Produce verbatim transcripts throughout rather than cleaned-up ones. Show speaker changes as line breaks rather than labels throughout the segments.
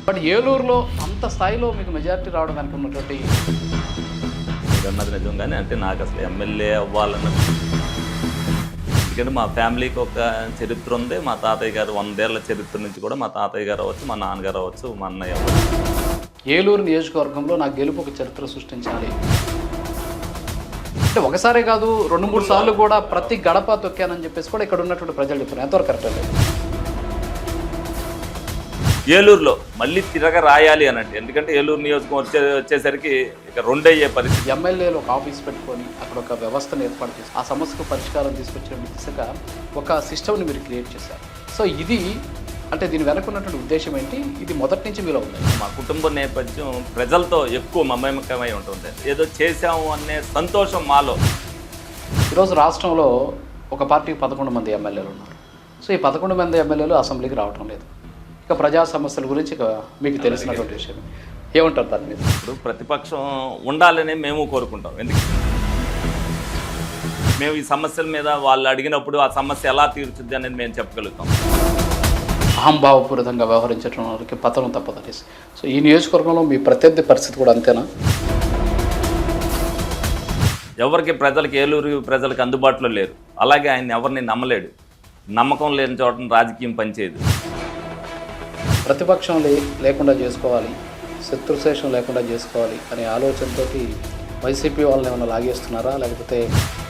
But ఏలూరులో అంత స్థాయిలో మీకు మెజారిటీ రావడం వెనక ఉన్నటువంటి
అన్నది నిజం, కానీ అంటే నాకు అసలు ఎమ్మెల్యే అవ్వాలన్న, ఎందుకంటే మా ఫ్యామిలీకి ఒక చరిత్ర ఉంది. మా తాతయ్య గారు వందేళ్ల చరిత్ర నుంచి కూడా మా తాతయ్య గారు అవ్వచ్చు, మా నాన్నగారు అవ్వచ్చు, మా అన్నయ్య అవ్వచ్చు.
ఏలూరు నియోజకవర్గంలో నా గెలుపు ఒక చరిత్ర సృష్టించాలి అంటే ఒకసారే కాదు, రెండు మూడు సార్లు కూడా ప్రతి గడప తొక్కానని చెప్పేసి కూడా ఇక్కడ ఉన్నటువంటి ప్రజలు చెప్పారు. ఎంతవరకు కరెక్ట్ అండి?
ఏలూరులో మళ్ళీ తిరగ రాయాలి అనండి, ఎందుకంటే ఏలూరు నియోజకవర్గం వచ్చే వచ్చేసరికి ఇక రెండయ్యే పరిస్థితి.
ఎమ్మెల్యేలు ఒక ఆఫీస్ పెట్టుకొని అక్కడ ఒక వ్యవస్థను ఏర్పాటు చేసి ఆ సమస్యకు పరిష్కారం తీసుకొచ్చిన దిశగా ఒక సిస్టమ్ని మీరు క్రియేట్ చేశారు. సో ఇది అంటే దీని వెనక ఉన్నటువంటి ఉద్దేశం ఏంటి? ఇది మొదటి నుంచి మీలో ఉంది.
మా కుటుంబ నేపథ్యం ప్రజలతో ఎక్కువ మమేకమై ఉంటుంది. ఏదో చేశాము అనే సంతోషం మాలో.
ఈరోజు రాష్ట్రంలో ఒక పార్టీకి పదకొండు మంది ఎమ్మెల్యేలు ఉన్నారు. సో ఈ పదకొండు మంది ఎమ్మెల్యేలు అసెంబ్లీకి రావటం లేదు. ఇక ప్రజా సమస్యల గురించి ఇక మీకు తెలిసినటువంటి విషయం ఏమంటారు దాని మీద?
ఇప్పుడు ప్రతిపక్షం ఉండాలని మేము కోరుకుంటాం. ఎందుకు మేము ఈ సమస్యల మీద వాళ్ళు అడిగినప్పుడు ఆ సమస్య ఎలా తీర్చుద్ది అనేది మేము చెప్పగలుగుతాం.
అహంభావపూరితంగా వ్యవహరించడం వారికి పతనం తప్పదనేసి. సో ఈ నియోజకవర్గంలో మీ ప్రత్యర్థి పరిస్థితి కూడా అంతేనా?
ఎవరికి ప్రజలకు ఏలూరు ప్రజలకు అందుబాటులో లేరు. అలాగే ఆయన ఎవరిని నమ్మలేడు. నమ్మకం లేని చోట రాజకీయం పనిచేయదు.
ప్రతిపక్షం లే లేకుండా చేసుకోవాలి, శత్రుశేషం లేకుండా చేసుకోవాలి అనే ఆలోచనతో వైసీపీ వాళ్ళని ఏమైనా లాగేస్తున్నారా, లేకపోతే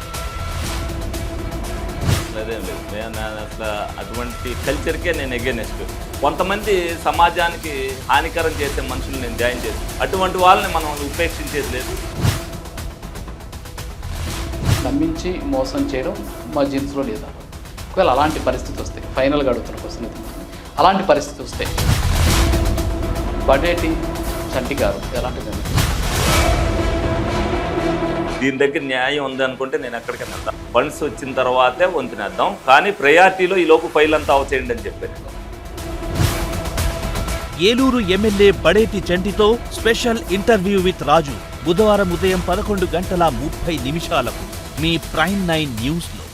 అదేం లేదు. నేను అసలు అటువంటి కల్చర్కే నేను ఎగెనెస్ట్. కొంతమంది సమాజానికి హానికరం చేసే మనుషులు నేను జాయిన్ చేసి అటువంటి వాళ్ళని మనం ఉపేక్షించేది లేదు.
నమ్మించి మోసం చేయడం మా జీన్స్లో లేదా? ఒకవేళ అలాంటి పరిస్థితి వస్తే, ఫైనల్గా అడుగుతున్న క్వశ్చన్ ఇది, అలాంటి పరిస్థితి వస్తే బడేటి చంటి గారు ఎలాంటిది?
దీని దగ్గర న్యాయం ఉంది అనుకుంటే నేను ఎక్కడికైనా వెళ్తాను. ఫండ్స్ వచ్చిన తర్వాతే వంతునేద్దాం, కానీ ప్రయారిటీలో ఈ లోపు ఫైల్ అంతా అవచేయండి అని చెప్పాను.
ఏలూరు ఎమ్మెల్యే బడేటి చంటితో స్పెషల్ ఇంటర్వ్యూ విత్ రాజు బుధవారం ఉదయం పదకొండు గంటల ముప్పై నిమిషాలకు మీ ప్రైమ్ నైన్ న్యూస్లో.